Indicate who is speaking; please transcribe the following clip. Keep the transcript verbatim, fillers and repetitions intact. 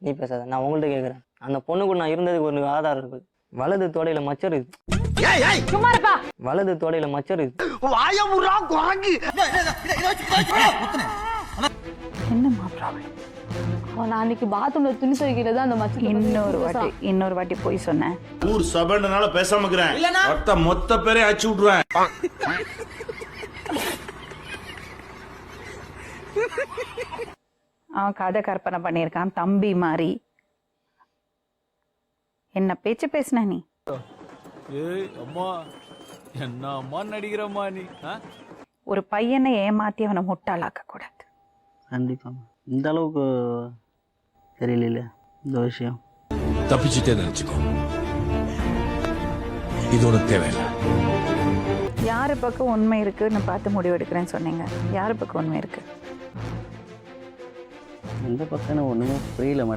Speaker 1: நீ பேசாத, நான் உங்கள்கிட்ட கேட்குறேன். அந்த பொண்ணு கூட நான் இருந்ததுக்கு ஒரு ஆதாரம் இருக்குது. வலது தோடையில மச்சர் இருக்குது. வலது தோடையில மச்சர் இருக்குது.
Speaker 2: என்னம்மா ப்ராப்ளம்?
Speaker 3: நான் அன்னைக்கு பாத்ரூம்ல துணி துவைக்கிறது அந்த மச்சம்.
Speaker 2: இன்னொரு வாட்டி இன்னொரு வாட்டி போய் சொன்னேன்.
Speaker 4: ஊர் சபைன்றனால பேசாம இருக்கிறேன். மொத்த பேரே அடிச்சு விட்டுருவேன்.
Speaker 2: அவன் கதை கற்பனை பண்ணியிருக்கான் தம்பி மாதிரி. என்ன பேச்சு பேசுன நீ?
Speaker 5: ஏய் அம்மா, என்ன அம்மா நடிக்கிறம்மா நீ?
Speaker 2: ஒரு பையனை ஏமாத்தி அவனை முட்டாளாக்க கூடாது.
Speaker 1: கண்டிப்பா இந்த அளவுக்கு தெரியல இந்த விஷயம்.
Speaker 6: தப்பிச்சுட்டே நினைச்சுக்கோ, இது உனக்கு தேவையில்லை.
Speaker 2: யாரு பக்கம் உண்மை இருக்குன்னு பார்த்து முடிவு எடுக்கிறேன்னு சொன்னீங்க. யாரு பக்கம் உண்மை இருக்கு?
Speaker 1: எந்த பக்கம் ஒண்ணுமே புரியல.